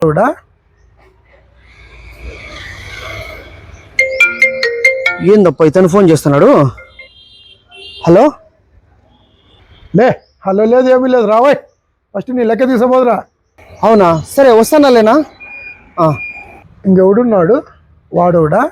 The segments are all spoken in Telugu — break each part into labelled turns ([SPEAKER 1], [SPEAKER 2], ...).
[SPEAKER 1] ఏందప్ప ఇతను ఫోన్ చేస్తున్నాడు? హలో
[SPEAKER 2] లే హలో లేదు ఏమీ లేదు రావాయ్ ఫస్ట్ నీ లెక్క తీసపోదురా.
[SPEAKER 1] అవునా సరే వస్తానాలేనా.
[SPEAKER 2] ఇంకెవడున్నాడు వాడోడా?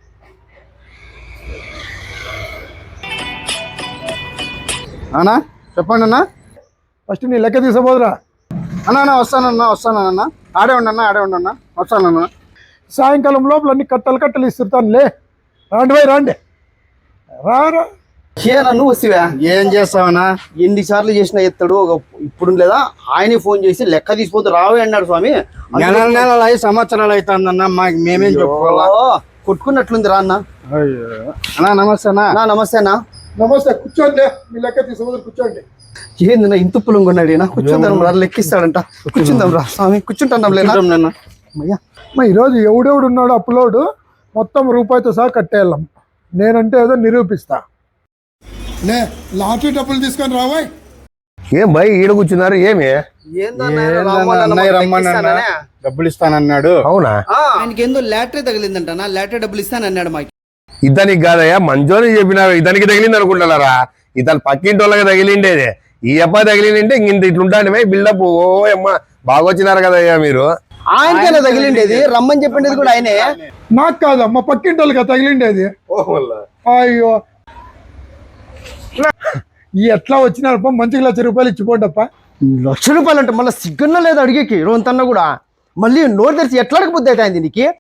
[SPEAKER 3] అన్నా చెప్పండి అన్న.
[SPEAKER 2] ఫస్ట్ నీ లెక్క తీసపోదురా.
[SPEAKER 3] అన్నా వస్తానన్నా ఆడే ఉండన్నా వస్తానన్నా.
[SPEAKER 2] సాయంకాలం లోపల అన్ని కట్టలు ఇస్తుంటాను. లే రాండి రారా.
[SPEAKER 1] నువ్వు వస్తావా?
[SPEAKER 3] ఏం చేస్తావన్నా?
[SPEAKER 1] ఎన్నిసార్లు చేసినా ఎత్తాడు. ఇప్పుడు లేదా ఆయనే ఫోన్ చేసి లెక్క తీసిపోతే రావే అన్నాడు స్వామి.
[SPEAKER 3] నెలలు అయి సంవత్సరాలు అవుతుందన్నా మాకు మేమేం చెప్పుకోవాలా?
[SPEAKER 1] కొట్టుకున్నట్లుంది రా అన్న.
[SPEAKER 3] అన్నా నమస్తే అన్నా.
[SPEAKER 1] నమస్తే అన్న.
[SPEAKER 2] నమస్తే కూర్చోండి. మీ లెక్క తీసపోదు కూర్చోండి.
[SPEAKER 1] ఏంది ఇంత పులుగున్నాడు ఈయన. కూర్చుందాం రా, లెక్కిస్తాడంట. కూర్చుందాం రా స్వామి, కూర్చుంటాం లేనా.
[SPEAKER 2] ఈరోజు ఎవడెవడు ఉన్నాడు అప్లోడ్ మొత్తం రూపాయితో సహా కట్టేయాలం. నేనంటే ఏదో నిరూపిస్తా. లే లాటరీ డబ్బులు తీసుకొని రావాయ్.
[SPEAKER 4] ఏం భయ్ ఈడ కూర్చున్నారు? ఏమి
[SPEAKER 3] అన్నయ్య రమ్మన్నా డబ్బులు ఇస్తానన్నాడు.
[SPEAKER 4] అవునా?
[SPEAKER 1] ఆయనకి ఏందో లాటరీ తగిలిందంట. లాటరీ డబ్బులు ఇస్తానన్నాడు మాకు.
[SPEAKER 4] ఇతనికి కాదయ్యా, మంచోని చెప్పినారు. ఇతనికి తగిలింది అనుకుంటున్నారా? ఇతను పక్కింటి వాళ్ళకి తగిలిండేది. ఈ అబ్బాయి తగిలింటే ఇంత ఇట్లుంటాండి బిల్డప్. ఓ అమ్మ బాగా వచ్చినారు కదయ్యా మీరు.
[SPEAKER 1] ఆయనకైనా తగిలిండేది, రమ్మని చెప్పిండేది కూడా ఆయనే.
[SPEAKER 2] నాకు కాదు మా పక్కింటి వాళ్ళకి తగిలిండేది. అయ్యో ఎట్లా వచ్చినారప్ప? మంచిగా ₹1,00,000 ఇచ్చిపోండప్ప.
[SPEAKER 1] ₹1,00,000 అంటే మళ్ళీ సిగ్గున్నా లేదు అడిగేకి రోంతన్నా కూడా. మళ్ళీ నోరు తెరిచి ఎట్లా అడగబుద్ధి అవుతాయింది నీకు?